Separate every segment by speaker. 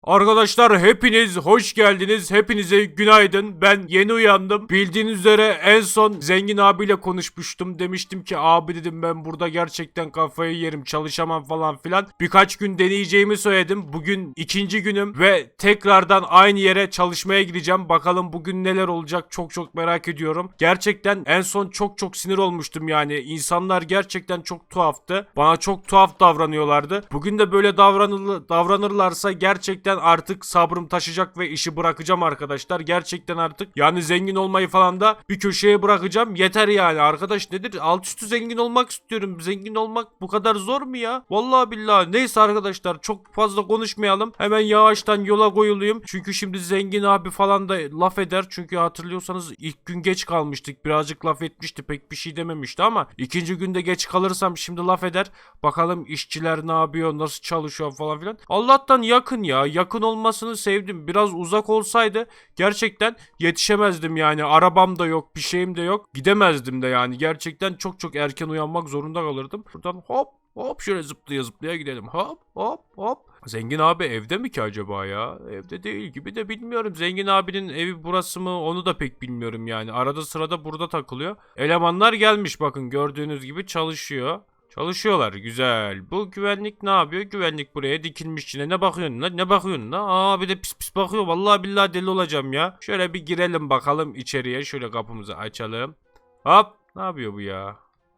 Speaker 1: Arkadaşlar hepiniz hoş geldiniz. Hepinize günaydın. Ben yeni uyandım. Bildiğiniz üzere en son Zengin abiyle konuşmuştum. Demiştim ki abi dedim ben burada gerçekten kafayı yerim, çalışamam falan filan. Birkaç gün deneyeceğimi söyledim. Bugün ikinci günüm ve tekrardan aynı yere çalışmaya gideceğim. Bakalım bugün neler olacak çok merak ediyorum. Gerçekten en son çok sinir olmuştum yani. İnsanlar gerçekten çok tuhaftı. Bana çok tuhaf davranıyorlardı. Bugün de böyle davranırlarsa gerçekten artık sabrım taşacak ve işi bırakacağım arkadaşlar. Gerçekten artık yani zengin olmayı falan da bir köşeye bırakacağım. Yeter yani arkadaş, nedir? Alt üstü zengin olmak istiyorum. Zengin olmak bu kadar zor mu ya? Vallahi billahi. Neyse arkadaşlar çok fazla konuşmayalım. Hemen yavaştan yola koyulayım. Çünkü şimdi zengin abi falan da laf eder. Çünkü hatırlıyorsanız ilk gün geç kalmıştık. Birazcık laf etmişti. Pek bir şey dememişti ama ikinci günde geç kalırsam şimdi laf eder. Bakalım işçiler ne yapıyor? Nasıl çalışıyor falan filan. Allah'tan yakın ya. Yakın olmasını sevdim. Biraz uzak olsaydı gerçekten yetişemezdim yani. Arabam da yok, bir şeyim de yok. Gidemezdim de yani. Gerçekten çok erken uyanmak zorunda kalırdım. Buradan hop şöyle zıplaya gidelim. Hop. Zengin abi evde mi ki acaba ya? Evde değil gibi de bilmiyorum. Zengin abinin evi burası mı onu da pek bilmiyorum yani. Arada sırada burada takılıyor. Elemanlar gelmiş, bakın gördüğünüz gibi çalışıyor. Çalışıyorlar, güzel. Bu güvenlik ne yapıyor? Güvenlik buraya dikilmiş içine. Ne bakıyorsun lan? Ne bakıyorsun lan? Aa bir de pis bakıyor. Vallahi billahi deli olacağım ya. Şöyle bir girelim bakalım içeriye. Şöyle kapımızı açalım. Hop. Ne yapıyor bu ya?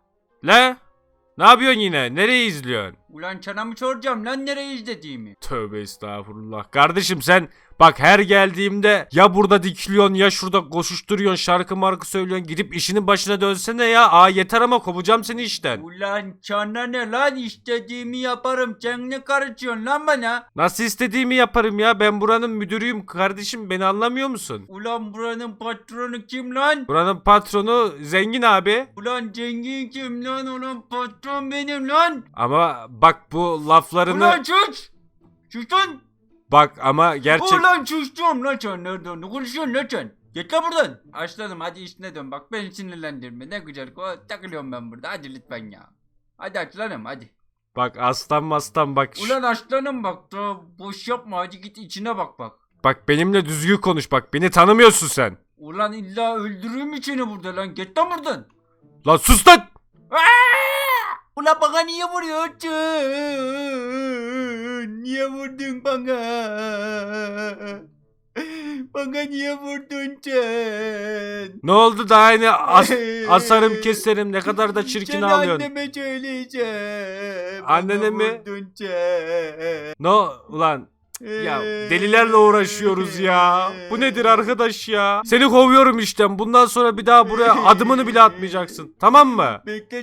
Speaker 1: Le? Ne yapıyorsun yine? Nereyi izliyorsun?
Speaker 2: Ulan sana mı soracağım lan nereye izlediğimi?
Speaker 1: Tövbe estağfurullah. Kardeşim sen bak her geldiğimde ya burada dikiliyorsun ya şurada koşuşturuyorsun, şarkı markı söylüyorsun, gidip işinin başına dönsene ya. Aa yeter ama kovacağım seni işten.
Speaker 2: Ulan sana ne lan, istediğimi yaparım, sen ne karışıyorsun lan bana?
Speaker 1: Nasıl istediğimi yaparım ya, ben buranın müdürüyüm kardeşim, beni anlamıyor musun?
Speaker 2: Ulan buranın patronu kim lan?
Speaker 1: Buranın patronu Zengin abi.
Speaker 2: Ulan zengin kim lan, ulan patron benim lan.
Speaker 1: Ama bak bu laflarını
Speaker 2: Ulan sus! Sus lan!
Speaker 1: bak ama gerçek.
Speaker 2: Ulan sus diyorum lan, sen nereden ne konuşuyorsun lan sen? Git lan buradan. Açladım, hadi işine dön, bak beni sinirlendirme, ne güzel takılıyorum ben burada, hadi lütfen ya. Hadi aslanım hadi.
Speaker 1: Bak aslan bak.
Speaker 2: Ulan aslanım bak da boş yapma, hadi git içine bak.
Speaker 1: Bak benimle düzgün konuş, bak beni tanımıyorsun sen.
Speaker 2: Ulan illa öldürürüm içini burada lan, git lan buradan.
Speaker 1: Lan sus lan.
Speaker 2: Ulan bana niye vuruyorsun? Niye vurdun bana? Bana niye vurdun sen?
Speaker 1: Ne oldu daha yine asarım keserim, ne kadar da çirkin
Speaker 2: Seni
Speaker 1: ağlıyorsun.
Speaker 2: anneme söyleyeceğim.
Speaker 1: Annene
Speaker 2: Bana
Speaker 1: mi?
Speaker 2: vurdun sen.
Speaker 1: No ulan. Ya delilerle uğraşıyoruz ya. Bu nedir arkadaş ya? Seni kovuyorum işten. Bundan sonra bir daha buraya adımını bile atmayacaksın. Tamam mı?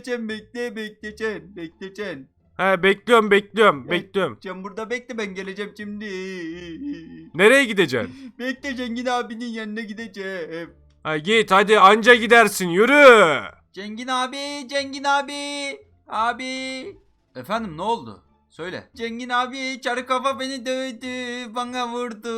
Speaker 2: Bekleyeceksin.
Speaker 1: He bekliyorum.
Speaker 2: Sen burada bekle, ben geleceğim şimdi.
Speaker 1: Nereye gideceksin?
Speaker 2: Bekle, Zengin abinin yanına gideceğim.
Speaker 1: Ha git hadi, anca gidersin, yürü.
Speaker 2: Zengin abi. Abi. Efendim ne oldu? Söyle. Zengin abi, çarı kafa beni dövdü. Bana vurdu.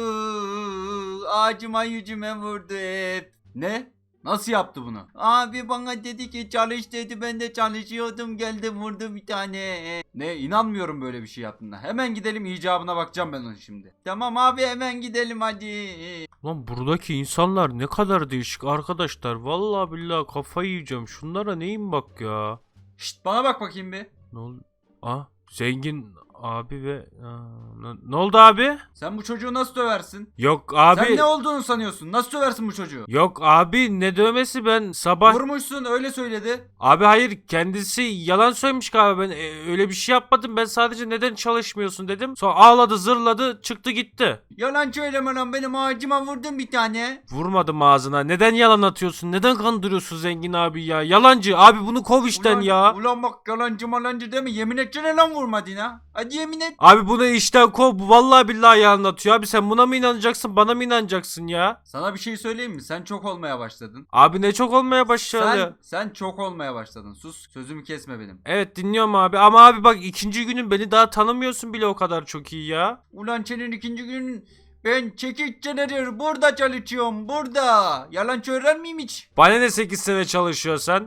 Speaker 2: Ağacıma yüzüme vurdu hep. Ne? Nasıl yaptı bunu? Abi bana dedi ki çalış dedi. Ben de çalışıyordum. Geldi vurdu bir tane. Ne? İnanmıyorum böyle bir şey yaptığına. Hemen gidelim, icabına bakacağım ben onu şimdi. Tamam abi, hemen gidelim hadi.
Speaker 1: Lan buradaki insanlar ne kadar değişik arkadaşlar. Vallahi billahi kafayı yiyeceğim. Şunlara neyin bak ya.
Speaker 2: Şşt, bana bak bakayım bir.
Speaker 1: Ne oldu? Zengin abi ve ne oldu abi?
Speaker 2: Sen bu çocuğu nasıl döversin?
Speaker 1: Yok abi.
Speaker 2: Sen ne olduğunu sanıyorsun? Nasıl döversin bu çocuğu?
Speaker 1: Yok abi, ne dövmesi, ben sabah.
Speaker 2: Vurmuşsun, öyle söyledi.
Speaker 1: Abi hayır, kendisi yalan söylemiş galiba, ben öyle bir şey yapmadım, ben sadece neden çalışmıyorsun dedim. Sonra ağladı zırladı çıktı gitti.
Speaker 2: Yalan söyleme lan, benim ağacıma vurdun bir tane.
Speaker 1: Vurmadım ağzına, neden yalan atıyorsun, neden kandırıyorsun Zengin abi ya, yalancı abi, bunu kov işten ya.
Speaker 2: Ulan bak, yalancı malancı deme, yemin etsene lan vurmadın ha. Hadi yemin et.
Speaker 1: Abi bunu işten kov, bu vallahi billahi yalan atıyor abi, sen buna mı inanacaksın, bana mı inanacaksın ya?
Speaker 2: Sana bir şey söyleyeyim mi? Sen çok olmaya başladın.
Speaker 1: Abi ne çok olmaya başladı.
Speaker 2: Sen çok olmaya başladın. Sus, sözümü kesme benim.
Speaker 1: Evet dinliyorum abi, ama abi bak ikinci günün, beni daha tanımıyorsun bile, o kadar çok iyi ya.
Speaker 2: Ulan senin ikinci gün, ben 8 senedir burada çalışıyorum, burada. Yalan söyler miyim hiç?
Speaker 1: Bana ne 8 sene çalışıyorsan?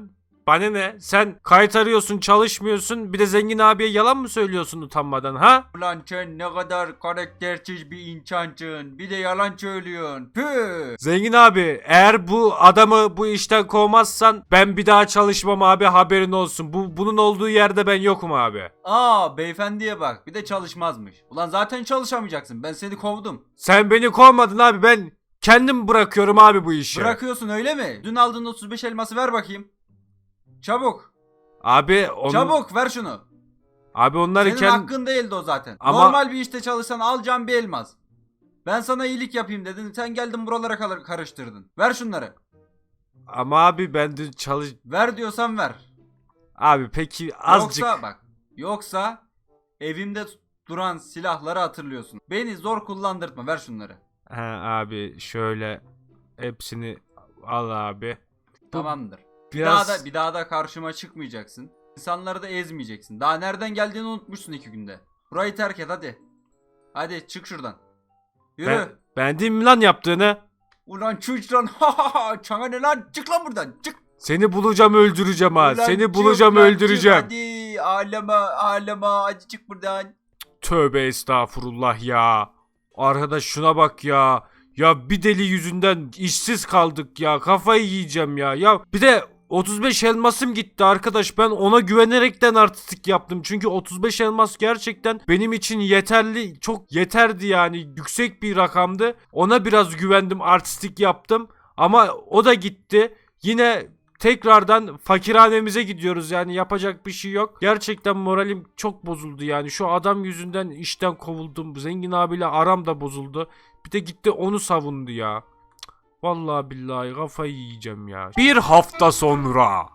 Speaker 1: Bana ne? Sen kayıt arıyorsun, çalışmıyorsun. Bir de zengin abiye yalan mı söylüyorsun utanmadan ha?
Speaker 2: Ulan sen ne kadar karaktersiz bir insansın. Bir de yalan söylüyorsun. Püh.
Speaker 1: Zengin abi eğer bu adamı bu işten kovmazsan ben bir daha çalışmam abi, haberin olsun. Bunun olduğu yerde ben yokum abi.
Speaker 2: Aa beyefendiye bak, bir de çalışmazmış. Ulan zaten çalışamayacaksın, ben seni kovdum.
Speaker 1: Sen beni kovmadın abi, ben kendim bırakıyorum abi bu işi.
Speaker 2: Bırakıyorsun öyle mi? Dün aldığın 35 elması ver bakayım. Çabuk.
Speaker 1: Abi
Speaker 2: Çabuk ver şunu.
Speaker 1: Abi onları
Speaker 2: Senin hakkın değildi o zaten.
Speaker 1: Ama-
Speaker 2: Normal bir işte çalışsan alacağım bir elmas. Ben sana iyilik yapayım dedin. Sen geldin buralara karıştırdın. Ver şunları.
Speaker 1: Ama abi ben de
Speaker 2: Ver diyorsan ver.
Speaker 1: Abi peki azıcık.
Speaker 2: Yoksa bak. Yoksa evimde duran silahları hatırlıyorsun. Beni zor kullandırtma. Ver şunları.
Speaker 1: Ha abi şöyle hepsini al abi.
Speaker 2: Tamamdır.
Speaker 1: Biraz
Speaker 2: Bir daha da karşıma çıkmayacaksın. İnsanları da ezmeyeceksin. Daha nereden geldiğini unutmuşsun 2 günde. Burayı terk et hadi. Hadi çık şuradan. Yürü.
Speaker 1: ben değil mi lan yaptığını?
Speaker 2: Ulan çık lan. Çana ne lan? Çık lan buradan. Çık.
Speaker 1: Seni bulacağım, öldüreceğim ha.
Speaker 2: Ulan
Speaker 1: Seni
Speaker 2: çık
Speaker 1: bulacağım,
Speaker 2: lan,
Speaker 1: öldüreceğim.
Speaker 2: çık hadi ağlama hadi çık buradan.
Speaker 1: Tövbe estağfurullah ya. Arkadaş şuna bak ya. Ya bir deli yüzünden işsiz kaldık ya. Kafayı yiyeceğim ya. Ya bir de 35 elmasım gitti arkadaş. Ben ona güvenerekten artistik yaptım. Çünkü 35 elmas gerçekten benim için yeterli. Çok yeterdi yani. Yüksek bir rakamdı. Ona biraz güvendim. Artistik yaptım. Ama o da gitti. Yine tekrardan fakirhanemize gidiyoruz, yani yapacak bir şey yok. Gerçekten moralim çok bozuldu yani. Şu adam yüzünden işten kovuldum. Zengin abiyle aram da bozuldu. Bir de gitti onu savundu ya. Vallahi billahi kafayı yiyeceğim ya. Bir hafta sonra.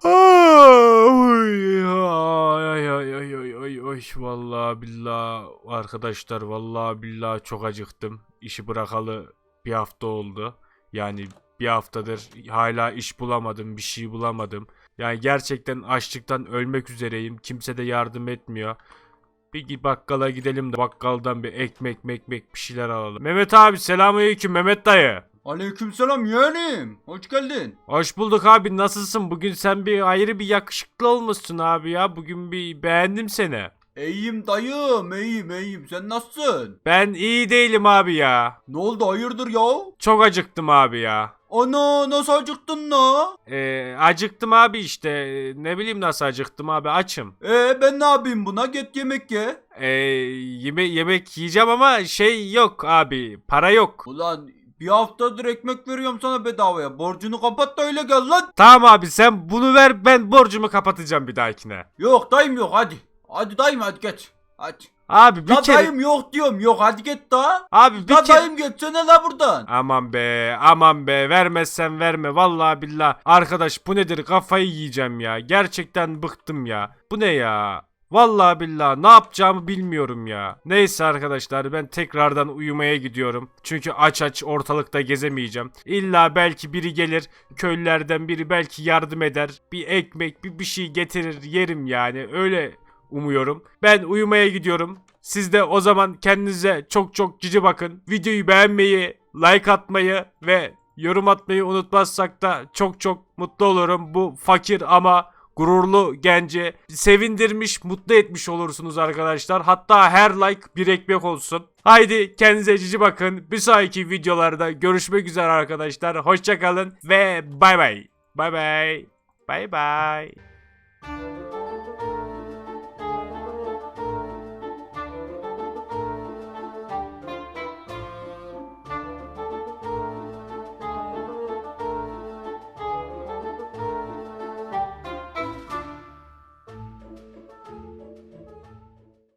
Speaker 1: Ay ay ay ay ay ay ay. Vallahi billahi arkadaşlar, vallahi billahi çok acıktım. İşi bırakalı bir hafta oldu. Yani bir haftadır hala iş bulamadım, bir şey bulamadım. Yani gerçekten açlıktan ölmek üzereyim. Kimse de yardım etmiyor. Bir bakkala gidelim de bakkaldan bir ekmek bir şeyler alalım. Mehmet abi, selamünaleyküm Mehmet dayı.
Speaker 2: Aleykümselam yeğenim. Hoş geldin.
Speaker 1: Hoş bulduk abi, nasılsın? Bugün sen bir ayrı bir yakışıklı olmuşsun abi ya. Bugün bir beğendim seni.
Speaker 2: İyiyim dayım iyiyim. Sen nasılsın?
Speaker 1: Ben iyi değilim abi ya.
Speaker 2: Ne oldu hayırdır ya?
Speaker 1: Çok acıktım abi ya.
Speaker 2: Ana nasıl acıktın la?
Speaker 1: Acıktım abi işte. Ne bileyim nasıl acıktım abi, açım.
Speaker 2: Ben ne yapayım buna? Git yemek ye.
Speaker 1: Yemek yiyeceğim ama şey yok abi. Para yok.
Speaker 2: Ulan bir haftadır ekmek veriyorum sana bedavaya. Borcunu kapat da öyle gel lan.
Speaker 1: Tamam abi, sen bunu ver, ben borcumu kapatacağım bir dahakine.
Speaker 2: Yok dayım yok hadi. Hadi dayım hadi geç. Hadi.
Speaker 1: Abi bir
Speaker 2: La
Speaker 1: kere...
Speaker 2: dayım yok diyorum. Yok hadi git da.
Speaker 1: Abi bir
Speaker 2: La
Speaker 1: kere...
Speaker 2: dayım geçsene la buradan.
Speaker 1: Aman be vermezsen verme, vallahi billah. Arkadaş bu nedir, kafayı yiyeceğim ya. Gerçekten bıktım ya. Bu ne ya? Vallahi billah ne yapacağımı bilmiyorum ya. Neyse arkadaşlar, ben tekrardan uyumaya gidiyorum. Çünkü aç ortalıkta gezemeyeceğim. İlla belki biri gelir, köylülerden biri belki yardım eder. Bir ekmek bir şey getirir, yerim yani, öyle umuyorum. Ben uyumaya gidiyorum. Siz de o zaman kendinize çok cici bakın. Videoyu beğenmeyi, like atmayı ve yorum atmayı unutmazsak da çok mutlu olurum. Bu fakir ama gururlu genci sevindirmiş, mutlu etmiş olursunuz arkadaşlar. Hatta her like bir ekmek olsun. Haydi kendinize cici bakın. Bir sonraki videolarda görüşmek üzere arkadaşlar. Hoşça kalın ve bay bay. Bay bay. Bay bay.